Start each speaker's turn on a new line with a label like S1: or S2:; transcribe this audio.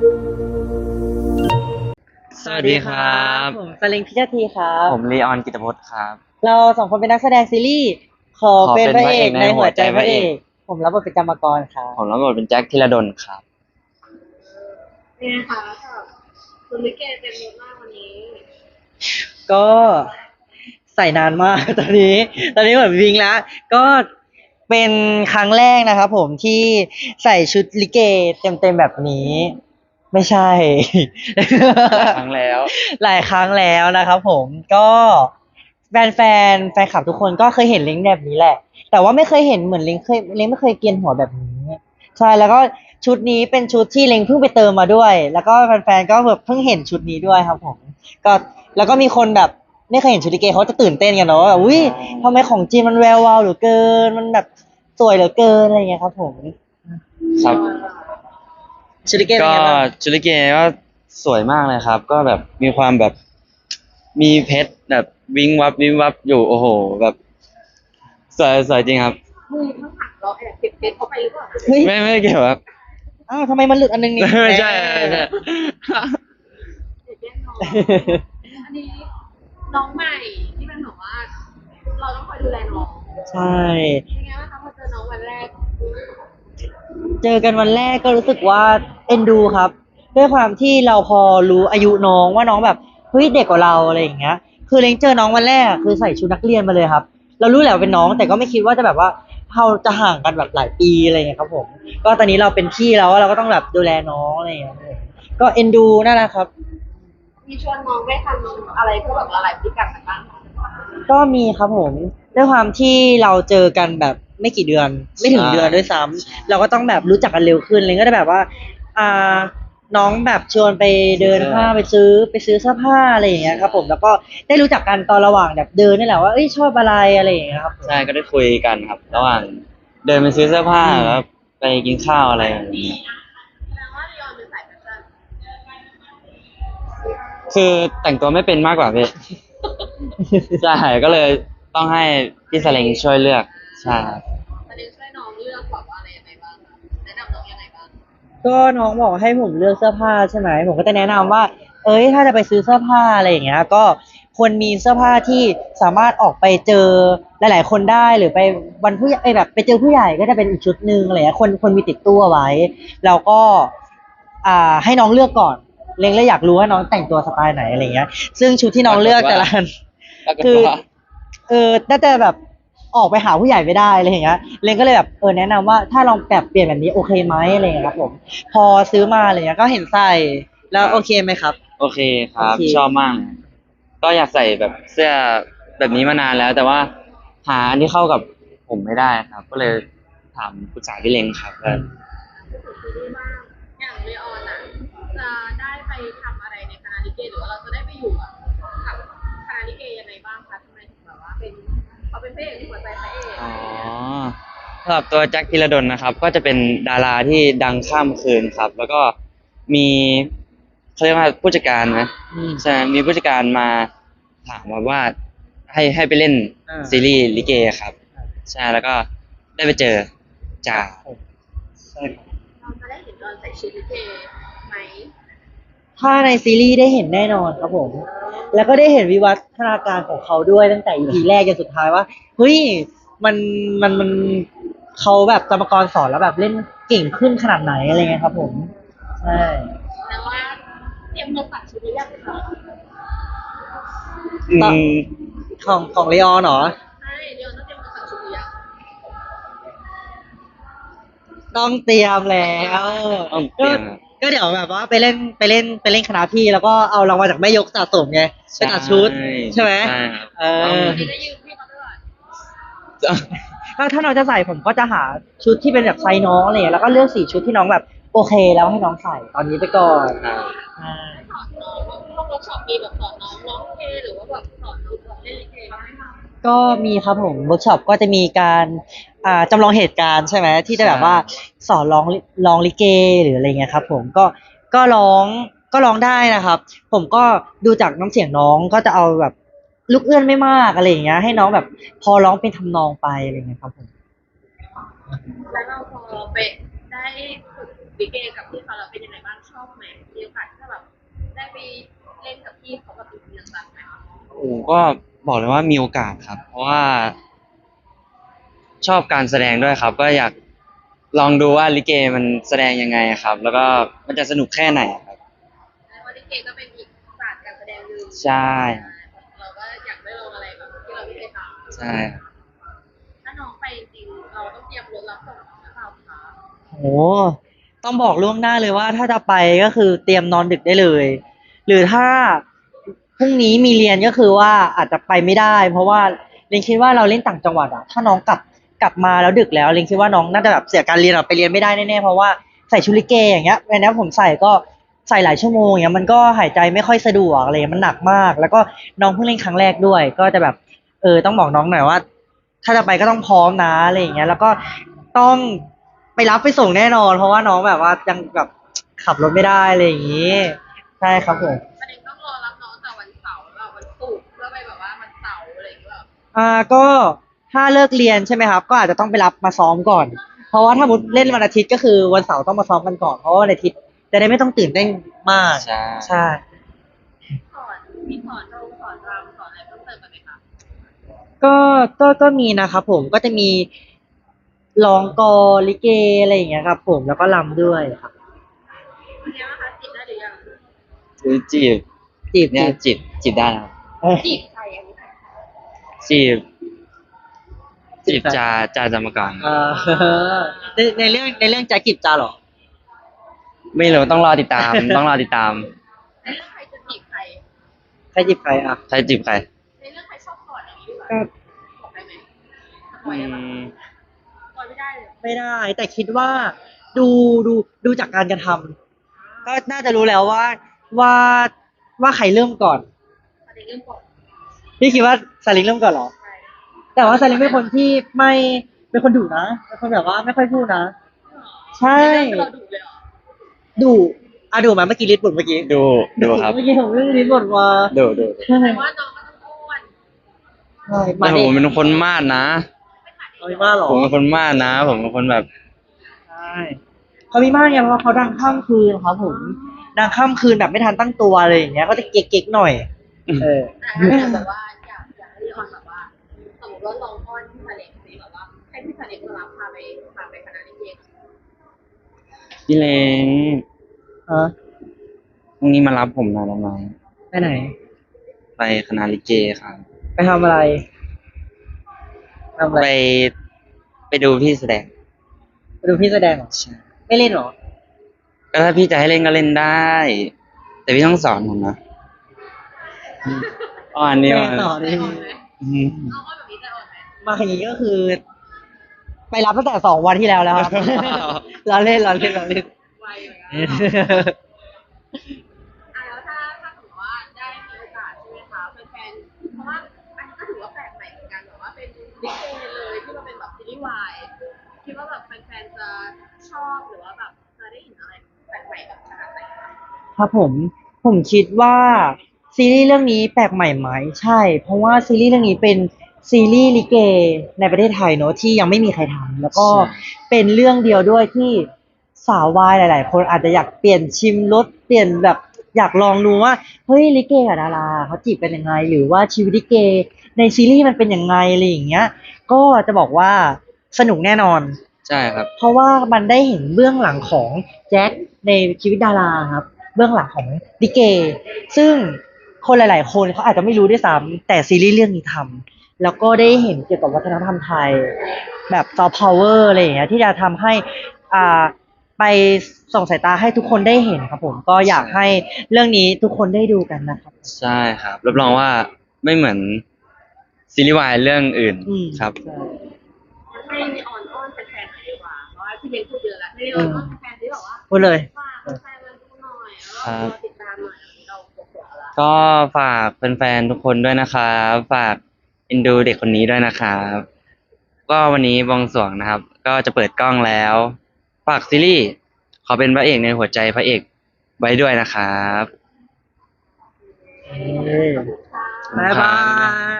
S1: สวัสดีครับ
S2: ผมสลิงพิชทีครับ
S1: ผมลีออนกิตพจน์ครับ
S2: เราสองคนเป็นนักแสดงซีรีส์ขอ
S1: ขอเป็น
S2: เป็นพระเอก
S1: พระเอกใน
S2: ในหัวใจ
S1: หัวใจ
S2: พระเอ
S1: พระเอก
S2: กผมรับบทเป็นกรรมกรครับ
S1: ผมรับบทเป็นแจ็คธีรดลครับ
S3: เป็นไงคะกับคุณลิเกเต็มยศมากวันนี้
S2: ก็ใส่นานมากตอนนี้เหมือนวิงแล้วก็เป็นครั้งแรกนะครับผมที่ใส่ชุดลิเกเต็มแบบนี้ไม่ใช่
S1: ครั้งแล้ว
S2: หลายครั้งแล้วนะครับผมก็แฟนคลับทุกคนก็เคยเห็นลิงก์แบบนี้แหละแต่ว่าไม่เคยเห็นเหมือนลิงก์ไม่เคยเกรียนหัวแบบนี้ใช่แล้วก็ชุดนี้เป็นชุดที่ลิงก์เพิ่งไปเติมมาด้วยแล้วก็แฟนๆก็แบบเพิ่งเห็นชุดนี้ด้วยครับผมก็แล้วก็มีคนแบบไม่เคยเห็นชุดลิเกเขาจะตื่นเต้นกันเนาะว่าแบบอุ้ยทำไมของจริงมันแวววาวเหลือเกินมันแบบสวยเหลือเกินอะไรอย่างเงี้ยครับผม
S1: ครับ
S2: ชุดลิเกเป็น
S1: ก็
S2: ไงบ้าง
S1: ชุลิเกก็สวยมากเลยครับก็แบบมีความแบบมีเพชรแบบวิงวับวิงวับอยู่โอ้โหแบบสวยจริงครับ
S3: มือข้างหลังเราแอบเก็บเพชรเข้าไปหรือเปล่า
S2: เฮ้ย
S1: ไม่เกี่ยวครับ
S2: อ้าวทำไมมันหลุดอันนึงนี่
S1: ไม่ใช่ไม่ใช่
S3: เด็กแย่งน้องอันนี้น้องใหม่ที่เป็นแบบว่าเราต้องคอยดูแลน้อง
S2: ใช่
S3: เป็นไงบ้างคะพอเจอน้องวันแรก
S2: เจอกันวันแรกก็รู้สึกว่าเอ็นดูครับด้วยความที่เราพอรู้อายุน้องว่าน้องแบบเฮ้ยเด็กกว่าเราอะไรอย่างเงี้ยคือเล้งเจอน้องวันแรกอะคือใส่ชุดนักเรียนมาเลยครับเรารู้แหละว่าเป็นน้องแต่ก็ไม่คิดว่าจะแบบว่าเราจะห่างกันแบบหลายปีอะไรอย่างเงี้ยครับผมก็ตอนนี้เราเป็นพี่แล้วเราก็ต้องแบบดูแลน้องอะไรอย่างเงี้ยก็เอ็นดูน่ารักครับ
S3: มีชวนน้องได้ทำอะไรเพื่อแบบละลายพฤติกรรมกันบ้างคะ
S2: ก็มีครับผมด้วยความที่เราเจอกันแบบไม่กี่เดือนไม่ถึงเดือนด้วยซ้ำเราก็ต้องแบบรู้จักกันเร็วขึ้นเลยก็ได้แบบว่าอ่าน้องแบบชวนไปเดินห้างไปซื้อเสื้อผ้าอะไรอย่างเงี้ยครับผมแล้วก็ได้รู้จักกันตอนระหว่างแบบเดินนี่แหละว่าเอ้ยชอบอะไรอะไรอย่างเงี้ยครับผม
S1: ใช่ก็ได้คุยกันครับระหว่างเดินไปซื้อเสื้อผ้าแล้วไปกินข้าวอะไรอย่างนี้
S3: แสดงว่าลีออนเป็นสายแฟชั่น
S1: คือแต่งตัวไม่เป็นมากกว่าพี่ ใช่ก็เลยต้องให้พี่สเลงช่วยเลือกใช่ครับ
S3: ตอนนี้ช่วยน้องเลือกแบบว่าอะไรยังไงบ้างคะแนะนำน้องยังไงบ้าง
S2: ก็น้องบอกให้ผมเลือกเสื้อผ้าใช่ไหมผมก็จะแนะนำว่าเอ้ยถ้าจะไปซื้อเสื้อผ้าอะไรอย่างเงี้ยก็ควรมีเสื้อผ้าที่สามารถออกไปเจอหลายๆคนได้หรือไปวันผู้ใหญ่แบบไปเจอผู้ใหญ่ก็จะเป็นอีกชุดหนึ่งอะไรเงี้ยคนมีติดตัวไว้แล้วก็ให้น้องเลือกก่อนเล็งเลยอยากรู้ว่าน้องแต่งตัวสไตล์ไหนอะไรเงี้ยซึ่งชุดที่น้องเลือกแต่ละอัน
S1: ปรากฏ
S2: คือ
S1: ว่า
S2: น่าจะแบบออกไปหาผู้ใหญ่ไม่ได้อะไรอย่างเงี้ยเลนก็เลยแบบแนะนำว่าถ้าลองแบบเปลี่ยนแบบนี้โอเคไหมอะไรอย่างเงี้ยครับผมพอซื้อมาอะไรเงี้ยก็เห็นใส่แล้วโอเคไหมครับ
S1: โอเคครับ
S2: โอเค
S1: ชอบมากเลยก็อยากใส่แบบเสื้อแบบนี้มานานแล้วแต่ว่าหาอันที่เข้ากับผมไม่ได้ครับ ก็เลยถามปรึกษาพี่เล้งครับว่า
S3: พูดถึงซีรีส์บ้างอย่างเลออนอ่ะจะได้ไปทำอะไรในคณะลิเกหรือว่าเราจะได้ไปอยู่กับคณะลิเกยังไงบ้างคะทำไมถึงแบบว่าเป็นเขาเป็นพระเอกที่หัวใจพระเอก
S1: อ๋อสำหรับตัวแจ็คธีรดลนะครับ ก็จะเป็นดาราที่ดังข้ามคืนครับ แล้วก็มีเขาเรียกว่าผู้จัดการนะใช่ไหมมีผู้จัดการมาถามมาว่าให้ไปเล่นซีรีส์ลิเกครับใช่แล้วก็ได้ไปเจอจ่า
S2: ใช่ครับ
S3: เราจะได้เห็นตอนใส่ชุดลิเกไหม
S2: ถ้าในซีรีส์ได้เห็นแน่นอนครับผมแล้วก็ได้เห็นวิวัฒนาการของเขาด้วยตั้งแต่ EP แรกจนสุดท้ายว่าเฮ้ยมันมันเขาแบบกรรมกรสอนแล้วแบบเล่นเก่งขึ้นขนาดไหนอะไรเงี้ยครับผมใช่
S3: แต่ว่าเตรียมตัวตัดชุดหรือยังคะ
S1: อื
S2: ตอน
S1: ม
S2: ของเลออนเหรอ
S3: ใช่เดี๋ยวต้องเตรียมตัวตัดชุดหรือยัง
S2: ต้องเตรียมแล้ว
S1: ต้องเต
S2: ก็
S1: รียมครับ
S2: ก็เดี๋ยวแบบว่าไปเล่นคณะพี่แล้วก็เอารางวัลจากแม่ยกสะสมไงไป
S1: ใช่
S2: ตัดชุดใช่ไหม
S1: ใช่ครับ
S2: เอ
S1: ต้อง
S2: อ
S3: จะได้ยืมพี่เขาด้วย
S2: ถ้าน้องจะใส่ผมก็จะหาชุดที่เป็นแบบไซส์น้องอะไรเงี้ยแล้วก็เลือกสีชุดที่น้องแบบโอเคแล้วให้น้องใส่ตอนนี้ไปก่อนอ่า
S3: สอนน้องพวกเวิร์กช็อปมีแบบสอนน้องร้องเพลงหรือว่าแบบสอนน้องแบบเล่นลิเกบ้างไหมคะ
S2: ก็มีครับผมเวิร์กช็อปก็จะมีการจำลองเหตุการณ์ใช่ไหมที่จะแบบว่าสอนร้องลิเกหรืออะไรเงี้ยครับผมก็ร้องได้นะครับผมก็ดูจากน้ำเสียงน้องก็จะเอาแบบลูกเอื้อนไม่มากอะไรอย่างเงี้ยให้น้องแบบพอร้องเป็นทำนองไปอะไรเงี้ยครับผม
S3: แล้วเราพอไปได้ฝึกลิเกกับพี่เขาแล้วเป็นยังไงบ้างชอบไหมมีโอกาสที่จะแบบได้ไปเล่นกับพี่เขาแบบจริงๆจังไหมคะ
S1: โอ้ก็บอกเลยว่ามีโอกาสครับ เพราะว่าชอบการแสดงด้วยครับ ก็อยากลองดูว่าลิเกมันแสดงยังไงครับ แล้วก็มันจะสนุกแค่ไหนครับ
S3: แล้วลิเกก็เป็นอีกศาสตร์การแสดงหนึ่ง
S1: ใช่
S3: เราก็อยากได้ลองอะไรแบบที่เราไม่เคยทำ
S1: ใช่ครับ
S3: ถ้าน้องไปจริงๆเราต้องเตรียมรถรับส่งน้องหรือเปล่าคะ
S2: โอ้ต้องบอกล่วงหน้าเลยว่าถ้าจะไปก็คือเตรียมนอนดึกได้เลย หรือถ้าพรุ่งนี้มีเรียนก็คือว่าอาจจะไปไม่ได้ เพราะว่าเรนคิดว่าเราเล่นต่างจังหวัดอะถ้าน้องกลับมาแล้วดึกแล้วเรนคิดว่าน้องน่าจะแบบเสียการเรียนอะไปเรียนไม่ได้แน่ๆเพราะว่าใส่ชุดลิเกอย่างเงี้ยวันนี้ผมใส่ก็ใส่หลายชั่วโมงอย่างเงี้ยมันก็หายใจไม่ค่อยสะดวกอะไรเงี้ยมันหนักมาก แล้วก็น้องเพิ่งเล่นครั้งแรกด้วย ก็จะแบบต้องบอกน้องหน่อยว่า ถ้าจะไปก็ต้องพร้อมนะอะไรอย่างเงี้ยแล้วก็ต้องไปรับไปส่งแน่นอนเพราะว่าน้องแบบว่ายังแบบขับรถไม่ได้อะไรอย่างงี้ใช่ครับผม
S3: ประเด็นต้องรอรับน้องแต่วันเสาร์แล้ววันศุกร์เพื่อไปแบบว่าวันเสาร์อะไรอย่างเงี้ยแบบ
S2: ก็ถ้าเลิกเรียนใช่ไหมครับ ก็อาจจะต้องไปรับมาซ้อมก่อน เพราะว่าถ้ามุดเล่นวันอาทิตย์ก็คือวันเสาร์ต้องมาซ้อมกันก่อนเพราะว่าวันอาทิตย์จะได้ไม่ต้องตื่นเต้นมาก
S1: ใช่
S2: ใช่
S3: สอนมีสอนรงสอนรำสอนอะไรเพิ่มเติมกันไหมคะ
S2: ก็มีนะครับผมก็จะมีร้องกลอนลิเกอะไรอย่างเงี้ยครับผมแล้วก็รำด้วยครับ
S3: วันนี้นะคะจีบได้หรือยัง
S1: คือจีบ
S2: จีบ
S1: เนี่ยจีบได้นะครับ
S3: จีบใครอันนี้
S1: จีบจ่าจำก่อน
S2: เออในเรื่องจะจีบจ้าเหรอ
S1: ไม่รู้ต้องรอติดตาม ต้องรอติดตาม
S3: ในเรื่องใครจะจีบใคร
S2: ใครจีบใครอ่ะ
S1: ใครจีบใคร
S3: ในเรื่องใครชอบก่อนอย่างนี้ดีกว่า
S2: ก็
S3: บอกได้ไหมสป
S1: อื
S3: อยได้ปะ
S1: ม
S3: สปอยไม่ได้เลย
S2: ไม่ได้ แต่คิดว่าดูดูจากการกระทำก็น่าจะรู้แล้วว่าว่าใครเริ่มก่อน
S3: ประเด็นเรื่องก่อน
S2: พี่คิดว่าซาลิงเริ่มก่อนเหรอ
S3: ใช่
S2: แต่ว่าซาลิงเป็นคนที่ไม่เป็นคนดุนะเป็นคนแบบว่าไม่ค่อยพูดนะ ใช่
S3: ในเรื่องเราดุเลยเหรอ
S2: ดุดุไหมเมื่อกี้ลิสบ่นเมื่อกี้
S1: ดูครับ
S2: เมื่อกี้ผมเรื่องลิสบ่นมา
S1: ดู
S2: ใช่
S3: แต่ว่าน้องก็ต้องอ้วน
S2: ใช่
S1: แต่ผมเป็นคนมาดนะ
S3: ไม่ขาดเอ
S2: เขา
S3: ง
S2: มีมากเหรอ
S1: ผมเป็นคนมาดนะ ผมเป็นคนแบบ
S2: ใช่เขามีมากเนี่ยเพราะว่าเขาดังข้ามคืนครับผมดังข้ามคืนแบบไม่ทันตั้งตัวอะไรอย่างเงี้ยก็จะเก๊กๆหน่อย เออ
S3: แต่ถ้าแบบว่าอยากให้ออนแบบว่าสมมติว่าลองอ้อนพี่ทะเลสิแบบว่าให้พี่ทะเลมารับพาไปคณะลิเก
S1: พี่เล้ง
S2: เออ
S1: พรุ่งนี้มารับผมหน่อยได้ไหม
S2: ไปไหน
S1: ไปคณะลิเกครับ
S2: ไปทำอะไรทำอะไร
S1: ไปดูพี่แสดง
S2: ไปดูพี่แสดงเหรอ
S1: ใช่
S2: ไม่เล่นเหรอ
S1: ก็ถ้าพี่จะให้เล่นก็เล่นได้ แต่พี่ต้องสอนผมนะอ่อนนี่
S2: แม่
S1: มัน
S2: ต่อ
S3: ใจ
S2: เลย
S3: อ่อนไหม
S1: อืม
S3: น้องอ้อนแบบนี้ใจอ่อนไหม
S2: มาอย่างนี้ก็คือ ไปรับตั้งแต่2 วันที่แล้วแล้วครับ เราเล่น
S3: ไวเหมือนกันแล้วถ้าสมมติว่าได้มีโอกาสใช่ไหมคะแฟนๆเพราะว่าอันนี้ก็ถือว่าแปลกใหม่เหมือนกันแบบว่าเป็นลิเกเลยที่มันเป็นแบบซีรีส์วายคิดว่าแบบแฟนๆจะชอบหรือว่าแบบจะได้เห็นอะไรแปลกใหม่แบบขนาดไหนคะ
S2: ครับผมคิดว่าซีรีส์เรื่องนี้แปลกใหม่ไหมใช่ เพราะว่าซีรีส์เรื่องนี้เป็นซีรีส์ลิเกในประเทศไทยเนอะที่ยังไม่มีใครทำแล้วก็เป็นเรื่องเดียวด้วยที่สาววายหลาย ๆ คนอาจจะอยากเปลี่ยนชิมรสเปลี่ยนแบบอยากลองดูว่าเฮ้ยลิเกกับดาราเขาจีบกันยังไง หรือว่าชีวิตลิเกในซีรีส์มันเป็นยังไงอะไรอย่างเงี้ย ก็จะบอกว่าสนุกแน่นอน
S1: ใช่ครับ
S2: เพราะว่ามันได้เห็นเบื้องหลังของแจ็คในชีวิตดาราครับ เบื้องหลังของลิเก ซึ่งคนหลาย ๆ คนเขาอาจจะไม่รู้ด้วยซ้ำแต่ซีรีส์เรื่องนี้ทำแล้วก็ได้เห็นเกี่ยวกับวัฒนธรรมไทย แบบซอฟต์พาวเวอร์อะไรอย่างเงี้ยที่จะทำให้อ่าไปส่องสายตาให้ทุกคนได้เห็นครับผมก็อยากให้เรื่องนี้ทุกคนได้ดูกันนะครับ
S1: ใช่ครับรับรองว่าไม่เหมือนซีรีส์วายเรื่องอื่น
S2: อืม
S1: ครับ
S2: ใช่
S3: ให้นีออนอ้อนแฟนๆหน่อยดีกว่าเพราะว่าพี่เบนพูดเยอะแล้วให้นีออนอ้อนแฟนๆที่บอกว่า
S2: พูดเลย
S3: ฝากแฟนๆมาดูหน่อยแล้วก็รอติดตามหน่อยเราปวดแล้ว
S1: ก็ฝากแฟนๆทุกคนด้วยนะครับฝากเอ็นดูเด็กคนนี้ด้วยนะครับก็วันนี้บวงสรวงนะครับ ก็จะเปิดกล้องแล้ว ฝากซีรีส์ขอเป็นพระเอกในหัวใจพระเอกไว้ด้วยนะครับ
S2: บ๊ายบาย